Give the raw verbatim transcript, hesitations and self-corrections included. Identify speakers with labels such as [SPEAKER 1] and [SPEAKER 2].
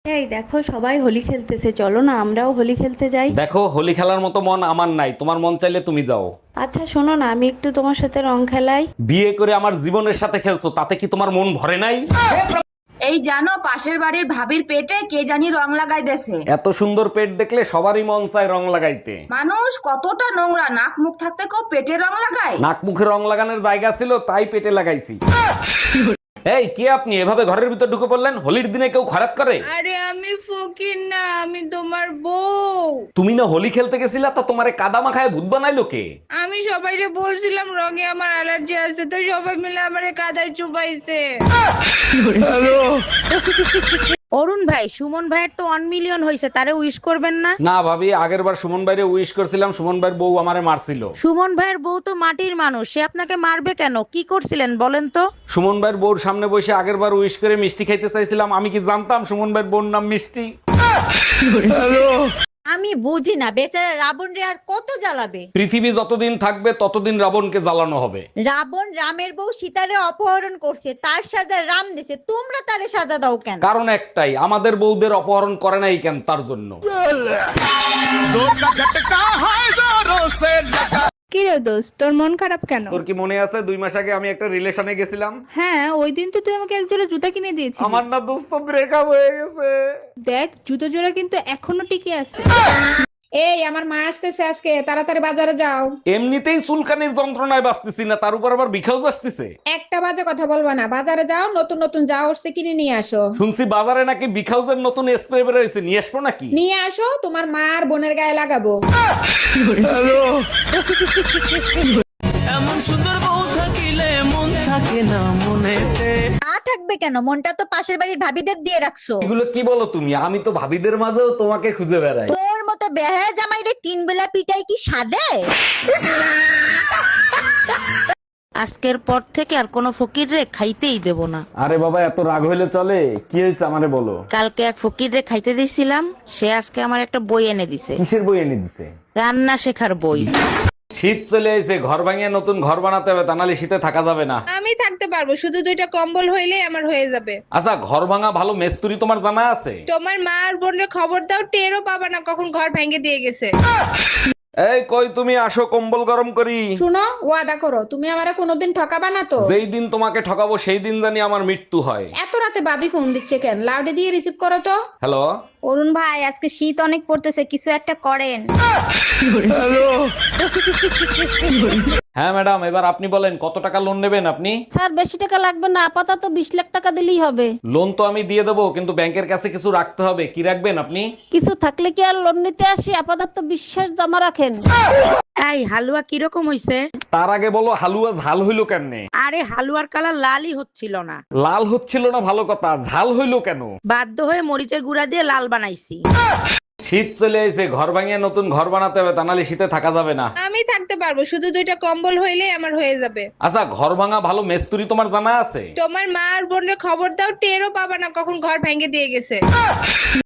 [SPEAKER 1] এই দেখো সবাই হোলি খেলতেছে, চলো না আমরাও হোলি খেলতে যাই।
[SPEAKER 2] দেখো, হোলি খেলার মতো মন আমার নাই, তোমার মন চাইলে তুমি যাও।
[SPEAKER 1] আচ্ছা শোনো না, আমি একটু তোমার সাথে রং খেলাই।
[SPEAKER 2] বিয়ে করে আমার জীবনের সাথে খেলছো, তাতে কি তোমার মন ভরে নাই?
[SPEAKER 3] এই জানো পাশের বাড়ির ভাবির পেটে কে জানি রং লাগাই দেছে।
[SPEAKER 2] এত সুন্দর পেট দেখলে সবারই মন চায় রং লাগাইতে।
[SPEAKER 3] মানুষ কতটা নোংরা, নাক মুখ থাকতে কেউ পেটে রং লাগায়?
[SPEAKER 2] নাক মুখে রং লাগানোর জায়গা ছিল তাই পেটে লাগাইছি। এই কে আপনি এভাবে ঘরের ভিতর ঢুকে পড়লেন? হোলির দিনে কেউ খারাপ করে?
[SPEAKER 4] আরে আমি ফকির না, আমি তোমার বউ।
[SPEAKER 2] তুমি না হোলি খেলতে গেছিলা, তা তোমারে কাদা মাখায় ভূত বানাইলো কে?
[SPEAKER 4] আমি সবাইকে বলছিলাম রঙে আমার অ্যালার্জি আছে, তো সবাই মিলে আমারে কাদায় চুপাইছে।
[SPEAKER 5] অরুণ ভাই, সুমন ভাইয়ের তো ওয়ান মিলিয়ন হয়েছে, তারে উইশ করবেন না?
[SPEAKER 2] না ভাবি, আগের বার সুমন ভাইরে উইশ করছিলাম, সুমন ভাইয়ের বউ আমারে মারছিল।
[SPEAKER 5] সুমন ভাইয়ের বউ তো মাটির মানুষ, সে আপনাকে মারবে কেন? কি করছিলেন বলেন তো?
[SPEAKER 2] সুমন ভাইয়ের বউর সামনে বসে আগের বার উইশ করে মিষ্টি খাইতে চাইছিলাম, আমি কি জানতাম সুমন ভাইয়ের বউর নাম মিষ্টি?
[SPEAKER 6] আমি বুঝি না, বেচারা রাবণ রে আর কত জ্বালাবে।
[SPEAKER 2] পৃথিবী যতদিন থাকবে ততদিন রাবণকে জ্বালানো হবে।
[SPEAKER 6] রাবণ রামের বউ সীতারে অপহরণ করছে, তার সাজা রাম দিছে, তোমরা তারে সাজা দাও কেন?
[SPEAKER 2] কারণ একটাই, আমাদের বউদের অপহরণ করে নাই কেন, তার জন্য।
[SPEAKER 4] কি রে দোস্ত, তোর মন খারাপ কেন?
[SPEAKER 2] তোর কি মনে আছে দুই মাস আগে আমি একটা রিলেশনে গেছিলাম?
[SPEAKER 4] হ্যাঁ, ওই দিন তো তুই আমাকে এক জোড়া জুতা কিনে দিয়েছিস।
[SPEAKER 2] আমার না দোস্ত ব্রেকআপ হয়ে গেছে।
[SPEAKER 4] দেখ জুতো জোড়া কিন্তু এখনো টিকে আছে।
[SPEAKER 7] এই আমার মা আসতেছে আজকে, তাড়াতাড়ি বাজারে যাও।
[SPEAKER 2] এমনিতেই চুলকানির যন্ত্রণায় বাঁচতেছি না, তার উপর আবার বিখাউজ আসতেছে।
[SPEAKER 7] একটা বাজে কথা বলবা না, বাজারে যাও, নতুন নতুন যা উঠছে কিনে নিয়ে আসো।
[SPEAKER 2] শুনছি বাজারে নাকি বিখাউজের নতুন স্প্রে বেরোয়েছে, নিয়ে আসবো নাকি?
[SPEAKER 7] নিয়ে আসো, তোমার মা আর বোনের গায়ে লাগাবো।
[SPEAKER 8] এমন সুন্দর বউ থাকিলে মন থাকে না মনেতে।
[SPEAKER 6] না থাকবে কেন, মনটা তো পাশের বাড়ির ভাবিদের দিয়ে রাখছো।
[SPEAKER 2] এগুলো কি বলো তুমি? আমি তো ভাবিদের মাঝেও তোমাকে খুঁজে বেড়াই।
[SPEAKER 6] তোর মতো বেহায়া জামাই রে তিন বেলা পিটাই কি সাদে?
[SPEAKER 5] আজকের পর থেকে আর কোনো ফকির রে খাইতেই দেব না।
[SPEAKER 2] আরে বাবা, এত রাগ হইলে চলে? কি হয়েছে আমারে বলো।
[SPEAKER 5] কালকে এক ফকির রে খাইতে দিছিলাম, সে আজকে আমার একটা বই এনে দিছে,
[SPEAKER 2] কিসের বই এনে দিছে?
[SPEAKER 5] রান্না শেখার বই।
[SPEAKER 2] শীত চলে এসে, ঘর ভাঙিয়ে নতুন ঘর বানাতে হবে, তা নাহলে শীতে থাকা যাবে না।
[SPEAKER 4] আমি থাকতে পারবো, শুধু দুইটা কম্বল হইলেই আমার হয়ে যাবে।
[SPEAKER 2] আচ্ছা, ঘর ভাঙা ভালো মেস্তুরি তোমার জানা আছে?
[SPEAKER 4] তোমার মা আর বোনের খবর দাও, টেরও পাবা না কখন ঘর ভেঙে দিয়ে গেছে।
[SPEAKER 2] এই কই তুমি, আসো কম্বল গরম করি।
[SPEAKER 7] শুনো, ওয়াদা করো তুমি আমারে কোনোদিন ঠকাবা না তো?
[SPEAKER 2] যেই দিন তোমাকে ঠকাবো সেই দিন জানি আমার মৃত্যু হয়।
[SPEAKER 7] এত রাতে ভাবি ফোন দিচ্ছে কেন? লাউডে দিয়ে রিসিভ করো তো।
[SPEAKER 2] হ্যালো।
[SPEAKER 6] অরুণ ভাই, আজকে শীত অনেক পড়তেছে, কিছু একটা করেন।
[SPEAKER 2] হ্যাঁ ম্যাডাম, এবার আপনি বলেন কত টাকা লোন নেবেন আপনি?
[SPEAKER 5] স্যার বেশি টাকা লাগবে না, আপাতত বিশ লাখ টাকা দিলেই হবে।
[SPEAKER 2] লোন তো আমি দিয়ে দেবো, কিন্তু ব্যাংকের কাছে কিছু রাখতে হবে। কি রাখবেন আপনি?
[SPEAKER 5] কিছু থাকলে কি আর লোন নিতে আসি? আপাতত বিশ্বাস জমা রাখেন। এই হালুয়া কিরকম হইছে?
[SPEAKER 2] তার আগে বলো হালুয়া ঝাল হইলো কেমনে?
[SPEAKER 5] আরে হালুয়ার কালার লালই হচ্ছিল না।
[SPEAKER 2] লাল হচ্ছিল না ভালো কথা, ঝাল হইলো কেন?
[SPEAKER 5] বাধ্য হয়ে মরিচের গুঁড়া দিয়ে লাল বানাইছি।
[SPEAKER 2] শীত চলে এসে, ঘর ভাঙিয়ে নতুন ঘর বানাতে হবে, তা নাহলে শীতে থাকা যাবে না।
[SPEAKER 4] আমি থাকতে পারবো, শুধু দুইটা কম্বল হইলেই আমার হয়ে যাবে।
[SPEAKER 2] আচ্ছা, ঘর ভাঙা ভালো মেস্তুরি তোমার জানা আছে?
[SPEAKER 4] তোমার মা আর বোনের খবর দাও, টেরও পাবা না কখন ঘর ভেঙে দিয়ে গেছে।